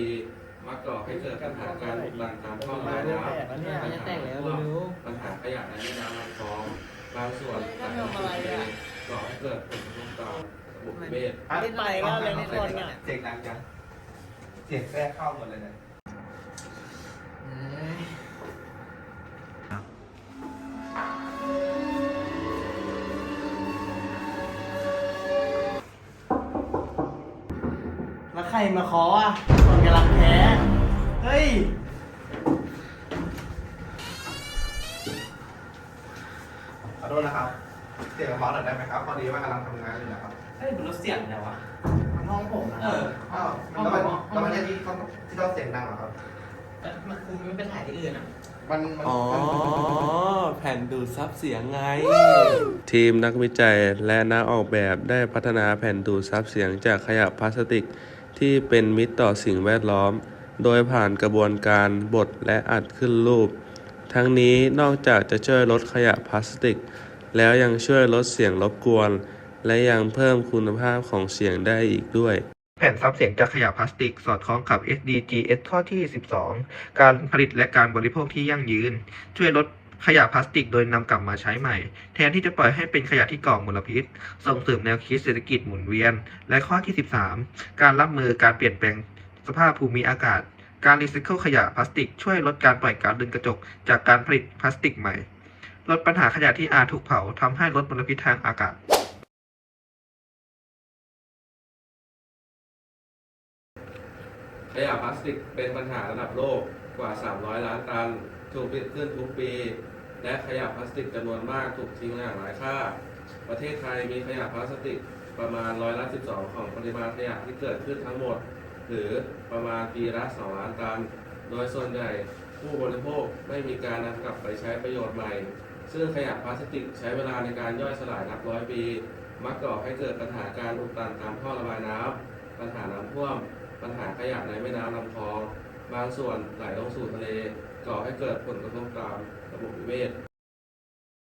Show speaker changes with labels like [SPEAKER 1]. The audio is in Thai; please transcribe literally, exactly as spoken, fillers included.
[SPEAKER 1] มักก่อให้เกิดปัญหาการอุดตันตามท่อระบายน้ำปัญหาน้ำท่วมปัญหาขยะในแม่น้ำลำคลองบางส่วนไหลลงสู่ทะเลก่อให้เกิดผลกระทบต่อระบบนิเวศ
[SPEAKER 2] นิดไปก็เลยนิดคนเนี่ย
[SPEAKER 3] เสียงดังจังเสียงแทรกเข้าหมดเลยเนี่ย
[SPEAKER 2] แล้วใครมาเคาะอ่ะคนกำลังแพ้เฮ้ย
[SPEAKER 3] ขอโทษนะครับเสียงเบาหน่อยได้ไหมครับพอดีว่ากำลังทำงานอยู่นะครับ
[SPEAKER 2] เฮ้ยมันรถเสียงไงวะมันห้องผมนะ
[SPEAKER 3] เอออ้าวแล้วมันแล้วมันจะที่เขาที่เราเสียงดังเหรอครับ
[SPEAKER 2] มันคุมไม่ไปถ่ายที่อื่นอ่ะ
[SPEAKER 3] มันมัน
[SPEAKER 4] อ๋อ
[SPEAKER 3] มัน
[SPEAKER 4] แผ่นดูดซับเสียงไง
[SPEAKER 1] ทีมนักวิจัยและนักออกแบบได้พัฒนาแผ่นดูดซับเสียงจากขยะพลาสติกที่เป็นมิตรต่อสิ่งแวดล้อม โดยผ่านกระบวนการบดและอัดขึ้นรูป ทั้งนี้นอกจากจะช่วยลดขยะพลาสติก แล้วยังช่วยลดเสียงรบกวน และยังเพิ่มคุณภาพของเสียงได้อีกด้วย
[SPEAKER 3] แผ่นซับเสียงจากขยะพลาสติกสอดคล้องกับ เอส ดี จี เอส ข้อที่ สิบสอง การผลิตและการบริโภคที่ยั่งยืน ช่วยลดขยะพลาสติกโดยนำกลับมาใช้ใหม่ แทนที่จะปล่อยให้เป็นขยะที่ก่อมลพิษ ส่งเสริมแนวคิดเศรษฐกิจหมุนเวียน และข้อที่ สิบสาม การรับมือการเปลี่ยนแปลงสภาพภูมิอากาศ การรีไซเคิลขยะพลาสติกช่วยลดการปล่อยก๊าซเรือนกระจกจากการผลิตพลาสติกใหม่ ลดปัญหาขยะที่อาจถูกเผาทำให้ลดมลพิษทางอากาศ
[SPEAKER 1] ขยะพลาสติกเป็นปัญหาระดับโลกกว่า สามร้อย ล้านตัน ถูกผลิตขึ้นทุกปี และขยะพลาสติกจำนวนมากถูกทิ้งอย่างไร้ค่า ประเทศไทยมีขยะพลาสติกประมาณร้อยละ สิบสอง ของปริมาณขยะที่เกิดขึ้นทั้งหมด หรือประมาณปีละ สอง ล้านตัน โดยส่วนใหญ่ผู้บริโภคไม่มีการนำกลับไปใช้ประโยชน์ใหม่ ซึ่งขยะพลาสติกใช้เวลาในการย่อยสลายนับร้อยปี มักก่อให้เกิดปัญหาการอุดตันตามท่อระบายน้ำปัญหาน้ำท่วมปัญหาขยะในแม่น้ำลำคลอง บางส่วนไหลลงสู่ทะเล ก่อให้เกิดผลกระทบต่อระบบนิเวศ